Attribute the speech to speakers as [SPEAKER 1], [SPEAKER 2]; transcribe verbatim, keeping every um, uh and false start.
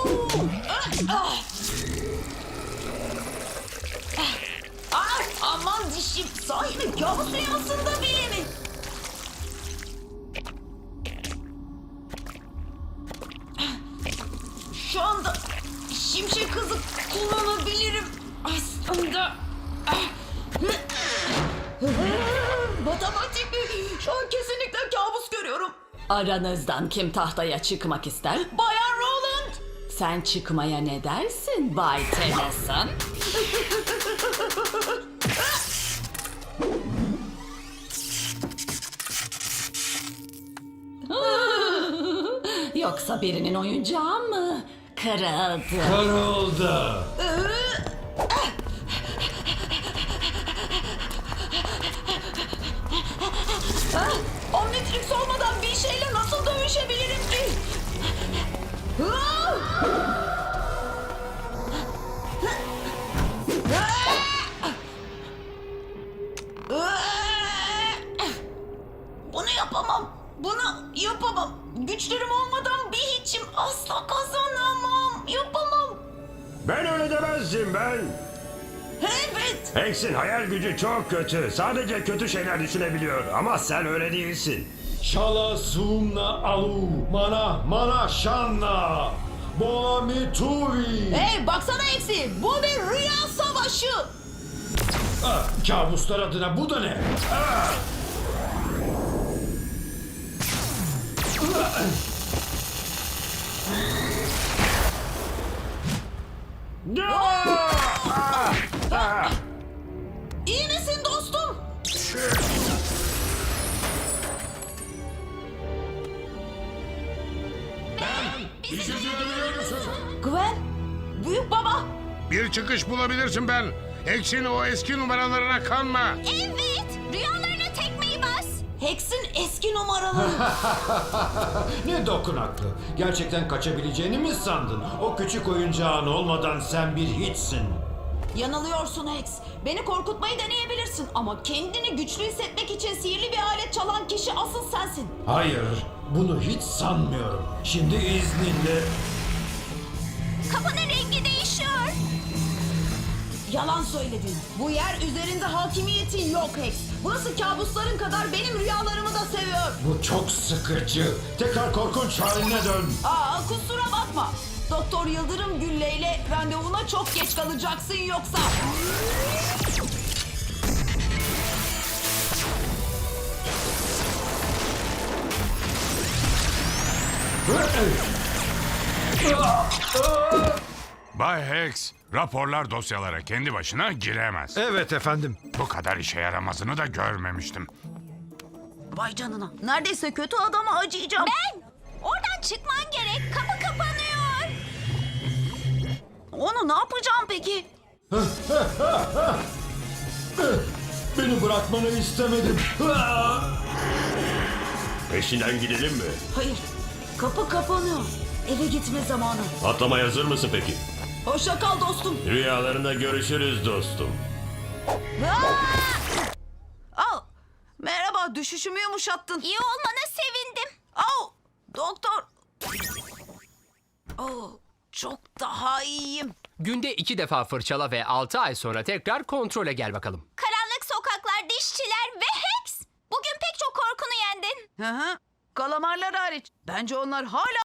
[SPEAKER 1] Ah, ah. Ah, aman dişim. Sahi mi? Kabus rüyasında bile mi? Şu anda şimşek hızı kullanabilirim aslında. Matematik mi? Şu an kesinlikle kabus görüyorum.
[SPEAKER 2] Aranızdan kim tahtaya çıkmak ister?
[SPEAKER 1] Bayan Roland.
[SPEAKER 2] Sen çıkmaya ne dersin Bay Tennyson? Yoksa birinin oyuncağı mı kırıldı?
[SPEAKER 3] Kırıldı.
[SPEAKER 1] Ah, Omnitrix olmadan bir şeyle nasıl dövüşebilirim ki? Ah! Bunu yapamam. Bunu yapamam. Güçlerim olmadan bir hiçim. Asla kazanamam. Yapamam.
[SPEAKER 4] Ben öyle demezdim ben.
[SPEAKER 1] Evet.
[SPEAKER 4] Hex'in hayal gücü çok kötü. Sadece kötü şeyler düşünebiliyor. Ama sen öyle değilsin.
[SPEAKER 3] Şala sumna alu mana mana şanna. Boami tuvi.
[SPEAKER 1] Hey baksana Eksi. Bu bir rüya savaşı.
[SPEAKER 3] Ah, kabuslar adına bu da ne? Ah!
[SPEAKER 1] İyi misin dostum?
[SPEAKER 5] Bizi duyuyor musun?
[SPEAKER 1] Gwen, büyük baba.
[SPEAKER 5] Bir çıkış bulabilirsin ben. Hex'in o eski numaralarına kanma.
[SPEAKER 6] Evet, rüyalarına tekmeyi bas.
[SPEAKER 1] Hex'in eski numaraları.
[SPEAKER 3] Ne dokunaklı. Gerçekten kaçabileceğini mi sandın? O küçük oyuncağın olmadan sen bir hiçsin.
[SPEAKER 1] Yanılıyorsun Hex. Beni korkutmayı deneyebilirsin ama kendini güçlü hissetmek için sihirli bir alet çalan kişi asıl sensin.
[SPEAKER 3] Hayır, bunu hiç sanmıyorum. Şimdi izninle...
[SPEAKER 6] Kapının rengi değişiyor.
[SPEAKER 1] Yalan söyledin. Bu yer üzerinde hakimiyetin yok Hex. Burası kabusların kadar benim rüyalarımı da seviyor.
[SPEAKER 3] Bu çok sıkıcı. Tekrar korkunç haline dön.
[SPEAKER 1] Aa kusura bakma. Doktor Yıldırım Gülle ile randevuna çok geç kalacaksın yoksa.
[SPEAKER 5] Bay Hex, raporlar dosyalara kendi başına giremez.
[SPEAKER 3] Evet efendim.
[SPEAKER 5] Bu kadar işe yaramazını da görmemiştim.
[SPEAKER 1] Vay canına. Neredeyse kötü adama acıyacağım.
[SPEAKER 6] Ben! Oradan çıkman gerek. Kapı kapanıyor.
[SPEAKER 1] Onu ne yapacağım peki?
[SPEAKER 3] Beni bırakmanı istemedim.
[SPEAKER 4] Peşinden gidelim mi?
[SPEAKER 1] Hayır. Kapı kapanıyor. Eve gitme zamanı.
[SPEAKER 4] Atlamaya hazır mısın peki?
[SPEAKER 1] Hoşça kal dostum.
[SPEAKER 4] Rüyalarında görüşürüz dostum.
[SPEAKER 1] Al. Merhaba, düşüşümü yumuşattın.
[SPEAKER 6] İyi olmana sevindim.
[SPEAKER 1] Au, doktor. Oh, çok daha iyiyim.
[SPEAKER 7] Günde iki defa fırçala ve altı ay sonra tekrar kontrole gel bakalım.
[SPEAKER 6] Karanlık sokaklar, dişçiler ve Hex. Bugün pek çok korkunu yendin.
[SPEAKER 1] Hı hı. Kalamarlar hariç. Bence onlar hala